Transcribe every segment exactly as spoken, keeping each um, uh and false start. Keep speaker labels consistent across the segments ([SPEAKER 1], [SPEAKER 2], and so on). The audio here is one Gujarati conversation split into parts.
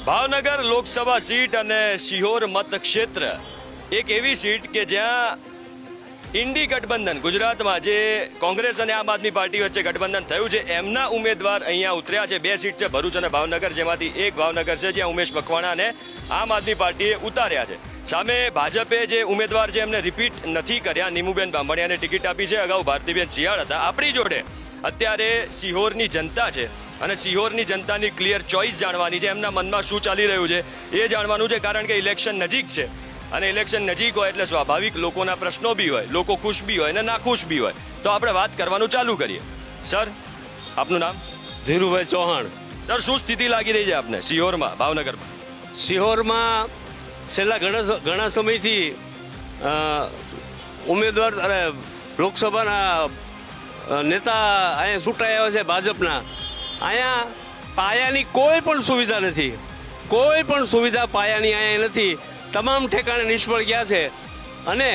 [SPEAKER 1] ભાવનગર લોકસભા સીટ અને સિહોર મતક્ષેત્ર એક એવી સીટ કે જ્યાં ઇન્ડી ગઠબંધન ગુજરાતમાં જે કોંગ્રેસ અને આમ આદમી પાર્ટી વચ્ચે ગઠબંધન થયું છે એમના ઉમેદવાર અહીંયા ઉતર્યા છે. બે સીટ છે ભરૂચ અને ભાવનગર, જેમાંથી એક ભાવનગર છે જ્યાં ઉમેશ મકવાણાને આમ આદમી પાર્ટીએ ઉતાર્યા છે. સામે ભાજપે જે ઉમેદવાર છે એમને રિપીટ નથી કર્યા. નીમુબેન બાંભણિયાને ટિકિટ આપી છે. અગાઉ ભારતીબેન શિયાળ હતા. આપણી જોડે અત્યારે સિહોરની જનતા છે અને સિહોરની જનતાની ક્લિયર ચોઇસ જાણવાની છે. એમના મનમાં શું ચાલી રહ્યું છે એ જાણવાનું છે, કારણ કે ઇલેક્શન નજીક છે અને ઇલેક્શન નજીક હોય એટલે સ્વાભાવિક લોકોના પ્રશ્નો બી હોય, લોકો ખુશ બી હોય અને નાખુશ બી હોય. તો આપણે વાત કરવાનું ચાલુ કરીએ. સર, આપનું નામ?
[SPEAKER 2] ધીરુભાઈ ચૌહાણ.
[SPEAKER 1] સર, શું સ્થિતિ લાગી રહી છે આપને સિહોરમાં, ભાવનગરમાં?
[SPEAKER 2] સિહોરમાં છેલ્લા ઘણા ઘણા સમયથી અ, ઉમેદવાર અરે લોકસભાના અ, નેતા અહીંયા ચૂંટાયા છે ભાજપના. અહીંયા પાયાની કોઈ પણ સુવિધા નથી, કોઈ પણ સુવિધા પાયાની અહીંયા નથી. તમામ ઠેકાણે નિષ્ફળ ગયા છે. અને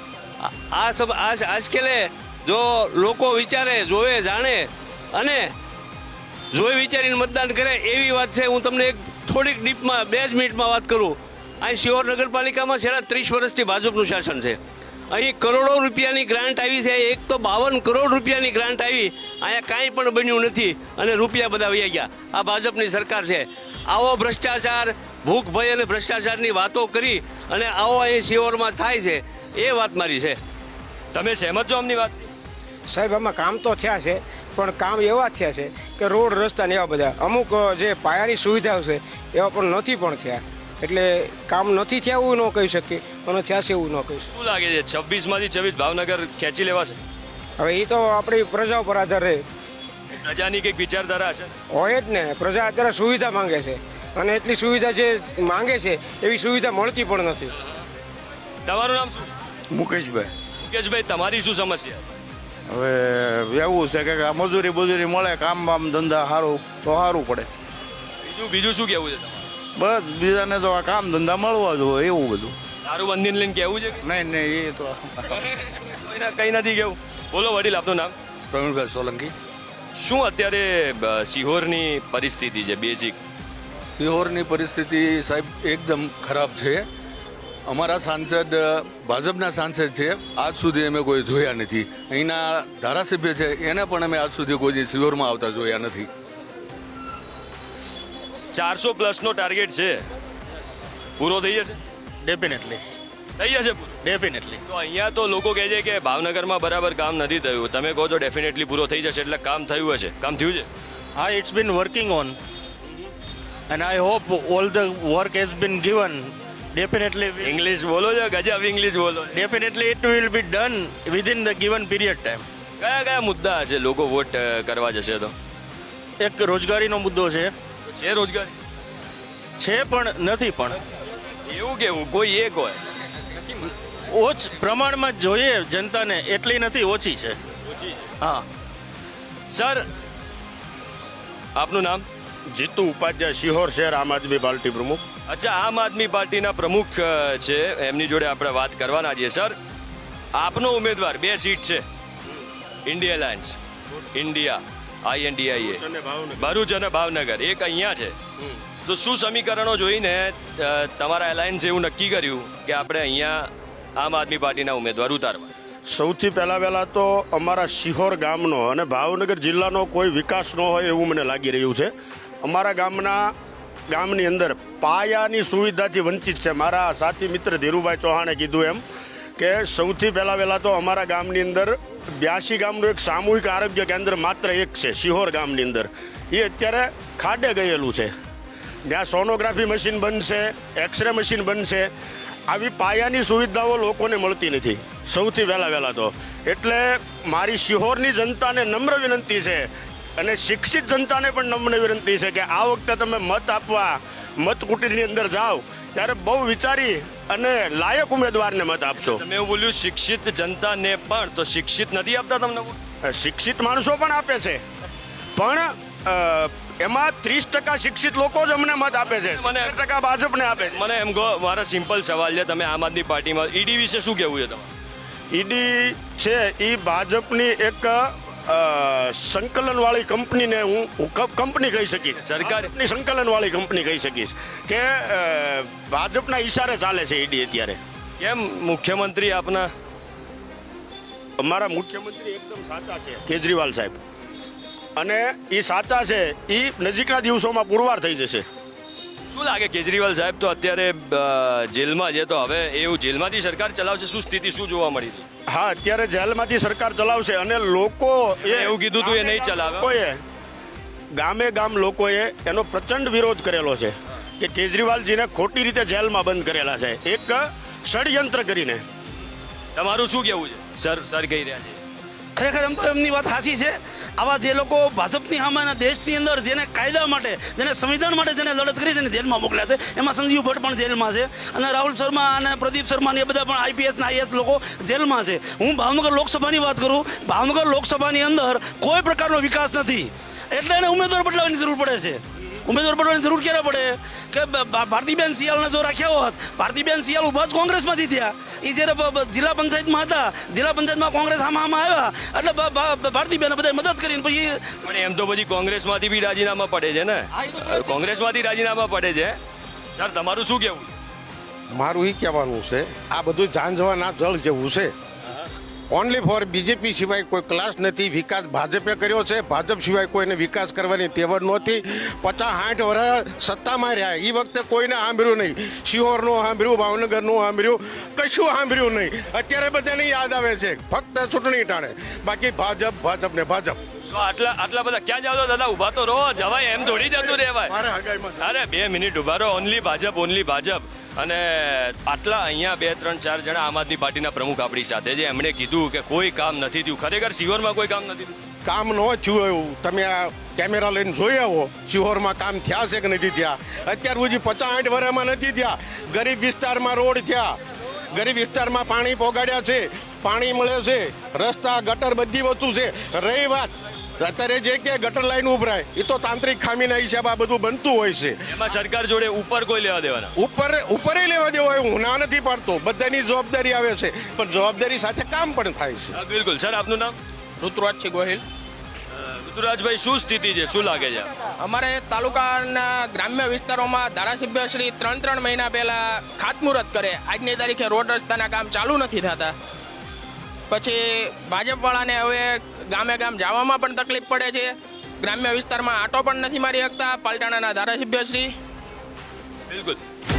[SPEAKER 2] આ સબ આ આજકાલે જો લોકો વિચારે, જોવે, જાણે અને જોઈ વિચારીને મતદાન કરે એવી વાત છે. હું તમને એક થોડીક ડીપમાં બે જ મિનિટમાં વાત કરું. અહીં સિહોર નગરપાલિકામાં છેલ્લા ત્રીસ વર્ષથી ભાજપનું શાસન છે. અહીં કરોડો રૂપિયાની ગ્રાન્ટ આવી છે. એક તો બાવન કરોડ રૂપિયાની ગ્રાન્ટ આવી. અહીંયા કાંઈ પણ બન્યું નથી અને રૂપિયા બધા વહી ગયા. આ ભાજપની સરકાર છે. આવો ભ્રષ્ટાચાર, ભૂખ ભય અને ભ્રષ્ટાચારની વાતો કરી અને આવો અહીં સિહોરમાં થાય છે, એ વાત મારી છે.
[SPEAKER 1] તમે સહેમત છો આમની વાત?
[SPEAKER 3] સાહેબ, આમાં કામ તો થયા છે, પણ કામ એવા થયા છે કે રોડ રસ્તા ને એવા બધા અમુક જે પાયાની સુવિધાઓ છે એવા પણ નથી પણ થયા. એટલે કામ નથી થયા એવું ન કહી શકીએ, અને થયા છે એવું ન કહી શકીએ.
[SPEAKER 1] શું લાગે છે છવ્વીસમાંથી છવ્વીસ ભાવનગર ખેંચી લેવાશે?
[SPEAKER 3] હવે એ તો આપણી પ્રજા ઉપર આધાર રહે.
[SPEAKER 1] પ્રજાની કંઈક વિચારધારા હશે.
[SPEAKER 3] હોય જ ને, પ્રજા અત્યારે સુવિધા માંગે છે અને એટલી સુવિધા જે માંગે છે એવી સુવિધા મળતી પણ નથી.
[SPEAKER 1] તમારું નામ શું?
[SPEAKER 4] મુકેશભાઈ.
[SPEAKER 1] મુકેશભાઈ, તમારી શું સમસ્યા?
[SPEAKER 4] હવે એવું છે કે આ મજૂરી બજૂરી મળે, કામ બામ ધંધા સારું તો સારું પડે.
[SPEAKER 1] બીજું બીજું શું કહેવું છે તમારું?
[SPEAKER 4] બસ બીજાને તો આ કામ ધંધા મળવા જોઈએ એવું બધું.
[SPEAKER 1] દારૂ બંધીને લઈને કહેવું છે?
[SPEAKER 4] નહીં નહીં એ તો
[SPEAKER 1] કોઈના કંઈ નથી કેવું. બોલો વડીલ, આપનું નામ?
[SPEAKER 5] પ્રવીણભાઈ સોલંકી.
[SPEAKER 1] શું અત્યારે બ, સિહોરની પરિસ્થિતિ છે બેઝિક?
[SPEAKER 5] સિહોરની પરિસ્થિતિ સાહેબ એકદમ ખરાબ છે. અમારા સાંસદ ભાજપના સાંસદ છે, આજ સુધી અમે કોઈ જોયા નથી. અહીંના ધારાસભ્ય છે એને પણ અમે આજ સુધી કોઈ સિહોરમાં આવતા જોયા નથી.
[SPEAKER 1] ચારસો પ્લસનો ટાર્ગેટ છે, પૂરો થઈ જશે?
[SPEAKER 6] ડેફિનેટલી
[SPEAKER 1] થઈ જશે પૂરો?
[SPEAKER 6] ડેફિનેટલી
[SPEAKER 1] તો અહીંયા તો લોકો કહે છે કે ભાવનગરમાં બરાબર કામ નથી થયું. તમે કહો છો ડેફિનેટલી પૂરો થઈ જશે, એટલે કામ થયું હશે. કામ થયું છે?
[SPEAKER 6] હા, it's been working on and I hope all the work has been given. Definitely
[SPEAKER 1] English બોલો છો, ગજબ ઇંગ્લિશ બોલો.
[SPEAKER 6] Definitely it will be done within the given period time.
[SPEAKER 1] કયા કયા મુદ્દા હશે લોકો વોટ અ, કરવા જશે તો?
[SPEAKER 6] એક રોજગારીનો મુદ્દો છે
[SPEAKER 1] છે રોજગારી?
[SPEAKER 6] છે પણ નથી પણ
[SPEAKER 1] એવું કેવું? કોઈ એક હોય.
[SPEAKER 6] ઓછ પ્રમાણમાં જોઈએ જનતાને એટલી નથી, ઓછી છે. હા.
[SPEAKER 1] સર, આપનું નામ?
[SPEAKER 7] જીતુ ઉપાધ્યાય, સિહોર શહેર આમ આદમી પાર્ટી પ્રમુખ.
[SPEAKER 1] અચ્છા, આમ આદમી પાર્ટીના પ્રમુખ અ, છે, એમની જોડે આપણે વાત કરવાના છીએ. સર, આપનો ઉમેદવાર, બે સીટ છે, India alliance, India INDIA, Bharuch અને ભાવનગર, એક અહીંયા છે. તો શું સમીકરણો જોઈને અ, તમારા એલાયન્સ એવું નક્કી કર્યું કે આપણે અહીંયા આમ આદમી પાર્ટીના ઉમેદવાર ઉતારવા?
[SPEAKER 7] સૌથી પહેલાં પહેલાં તો અમારા સિહોર ગામનો અને ભાવનગર જિલ્લાનો કોઈ વિકાસ ન હોય એવું મને લાગી રહ્યું છે. અમારા ગામના ગામની અંદર પાયાની સુવિધાથી વંચિત છે. મારા સાથી મિત્ર ધીરુભાઈ ચૌહાણે કીધું એમ કે સૌથી પહેલાં પહેલાં તો અમારા ગામની અંદર બ્યાસી ગામનું એક સામૂહિક આરોગ્ય કેન્દ્ર માત્ર એક છે સિહોર ગામની અંદર. એ અત્યારે ખાડે ગયેલું છે. જ્યાં સોનોગ્રાફી મશીન બનશે, એક્સરે મશીન બનશે, આવી પાયાની સુવિધાઓ લોકોને મળતી નથી સૌથી વહેલા વહેલા તો. એટલે મારી સિહોરની જનતાને નમ્ર વિનંતી છે અને શિક્ષિત જનતાને પણ નમ્ર વિનંતી છે કે આ વખતે તમે મત આપવા મતકુટીરની અંદર જાઓ ત્યારે બહુ વિચારી અને લાયક ઉમેદવારને મત આપશો.
[SPEAKER 1] તમે એવું બોલ્યું શિક્ષિત જનતાને પણ, તો શિક્ષિત નથી આપતા તમને?
[SPEAKER 7] શિક્ષિત માણસો પણ આપે છે, પણ અ, એમાં ત્રીસ ટકા શિક્ષિત લોકો જ અમને મત આપે છે,
[SPEAKER 1] મને
[SPEAKER 7] મને ટકા ભાજપને આપે છે.
[SPEAKER 1] મને એમ કહો, મારા સિમ્પલ સવાલ છે, તમે આમ આદમી પાર્ટીમાં ઈડી વિશે શું કહેવું છે તમારે?
[SPEAKER 7] ઈડી છે એ ભાજપની એક અ, સંકલનવાળી કંપનીને હું હું ક- કંપની કહી શકીશ
[SPEAKER 1] સરકાર-
[SPEAKER 7] ભાજપની સંકલનવાળી કંપની કહી શકીશ કે અ, ભાજપના ઈશારે ચાલે છે ઈડી અત્યારે.
[SPEAKER 1] કેમ મુખ્યમંત્રી આપના
[SPEAKER 7] અમારા મુખ્યમંત્રી એકદમ સાચા છે કેજરીવાલ સાહેબ, અને એ સાચા છે એ નજીકના દિવસોમાં પુરવાર થઈ જશે.
[SPEAKER 1] શું લાગે કેજરીવાલ સાહેબ તો અત્યારે અ, જેલમાં છે, તો હવે એવું જેલમાંથી સરકાર ચલાવશે, શું સ્થિતિ શું જોવા મળી હતી?
[SPEAKER 7] હા, અત્યારે જેલમાંથી સરકાર ચલાવશે અને લોકો
[SPEAKER 1] એમણે એવું કીધું હતું એ નહીં ચલાવે.
[SPEAKER 7] લોકોએ ગામે ગામ લોકોએ એનો પ્રચંડ વિરોધ કરેલો છે કે કેજરીવાલજીને ખોટી રીતે જેલમાં બંધ કરેલા છે એક ષડયંત્ર કરીને.
[SPEAKER 1] તમારું શું કહેવું છે? સર સર કહી રહ્યા છે
[SPEAKER 8] ખરેખર એમ તો એમની વાત સાચી છે. આવા જે લોકો ભાજપની સામે અને દેશની અંદર જેને કાયદા માટે, જેને સંવિધાન માટે જેને લડત કરી છે ને જેલમાં મોકલ્યા છે, એમાં સંજીવ ભટ્ટ પણ જેલમાં છે અને રાહુલ શર્મા અને પ્રદીપ શર્મા ને એ બધા પણ આઈપીએસ ના આઈએસ લોકો જેલમાં છે. હું ભાવનગર લોકસભાની વાત કરું, ભાવનગર લોકસભાની અંદર કોઈ પ્રકારનો વિકાસ નથી, એટલે એને ઉમેદવાર બદલાવાની જરૂર પડે છે. ઉમેદવાર બદલવાની જરૂર ક્યારે પડે કે ભા- ભારતીબેન સિયાલને જો રાખ્યા હોત, ભારતીબેન સિયાલ ઊભા જ કોંગ્રેસમાંથી થયા. એ જ્યારે બ- બ- જિલ્લા પંચાયતમાં હતા, જિલ્લા પંચાયતમાં કોંગ્રેસ આમાં આમાં આવ્યા એટલે ભા- ભા- ભારતીબેને બધા મદદ કરીને પછી
[SPEAKER 1] પણ એમ તો બધી કોંગ્રેસમાંથી બી રાજીનામા પડે છે ને, કોંગ્રેસમાંથી રાજીનામા પડે છે. સર તમારું શું કહેવું?
[SPEAKER 9] મારું એ કહેવાનું છે, આ બધું ઝાંઝવાના જળ જેવું છે. ઓનલી ફોર બીજેપી સિવાય કોઈ ક્લાસ નથી. વિકાસ ભાજપે કર્યો છે, ભાજપ સિવાય કોઈને વિકાસ કરવાની તેવડ નહોતી. પચાસ સાઠ વર્ષ સત્તામાં રહ્યા, એ વખતે કોઈને સાંભળ્યું નહીં. શિહોરનું સાંભળ્યું, ભાવનગરનું સાંભળ્યું, કશું સાંભળ્યું નહીં. અત્યારે બધાને યાદ આવે છે ફક્ત ચૂંટણી ટાણે, બાકી ભાજપ ભાજપ ને ભાજપ.
[SPEAKER 1] તો આટલા આટલા બધા ક્યાં જાવ છો દાદા? ઊભા તો રહો, જવાય એમ થોડી જતું રહેવાય.
[SPEAKER 9] મારે હગાઈમાં
[SPEAKER 1] અરે બે મિનિટ ઊભા રહો. Only Bhajap, only Bhajap. અને આટલા અહીંયા બે ત્રણ ચાર જણા આમ આદમી પાર્ટીના પ્રમુખ આપણી સાથે છે, એમણે કીધું કે કોઈ કામ નથી થયું. ખરેખર શિહોરમાં કોઈ કામ નથી થયું?
[SPEAKER 9] કામ ન થયું એવું તમે આ કેમેરા લઈને જોઈ આવો. શિહોરમાં કામ થયા છે કે નથી થયા? અત્યાર સુધી પચાસ સાઠ વર્ષમાં નથી થયા. ગરીબ વિસ્તારમાં રોડ થયા, ગરીબ વિસ્તારમાં પાણી પોગાડ્યા છે, પાણી મળે છે, રસ્તા ગટર બધી વસ્તુ છે. રહી વાત અત્યારે જે કે ગટર લાઈન ઉભરાય, એ તો તાંત્રિક ખામીના હિસાબે આ બધું બનતું હોય છે.
[SPEAKER 1] એમાં સરકાર જોડે ઉપર કોઈ લેવા દેવાના?
[SPEAKER 9] ઉપર ઉપરે લેવા દેવો હોય, હું ના નથી પાડતો, બધાની જવાબદારી આવે છે, પણ જવાબદારી સાથે કામ પણ થાય છે.
[SPEAKER 1] હા, બિલકુલ. સર આપનું નામ?
[SPEAKER 6] ઋતુરાજ ગોહિલ.
[SPEAKER 1] ઋતુરાજભાઈ, શું સ્થિતિ છે, શું લાગે છે?
[SPEAKER 6] અમારે તાલુકાના ગ્રામ્ય વિસ્તારોમાં ધારાસભ્ય શ્રી ત્રણ ત્રણ મહિના પહેલા ખાતમુહૂર્ત કરે, આજની તારીખે રોડ રસ્તાના કામ ચાલુ નથી થતા. પછી ભાજપવાળાને હવે ગામે ગામ જવામાં પણ તકલીફ પડે છે, ગ્રામ્ય વિસ્તારમાં આટો પણ નથી મારી શકતા પાલટાણાના ધારાસભ્ય શ્રી.
[SPEAKER 1] બિલકુલ.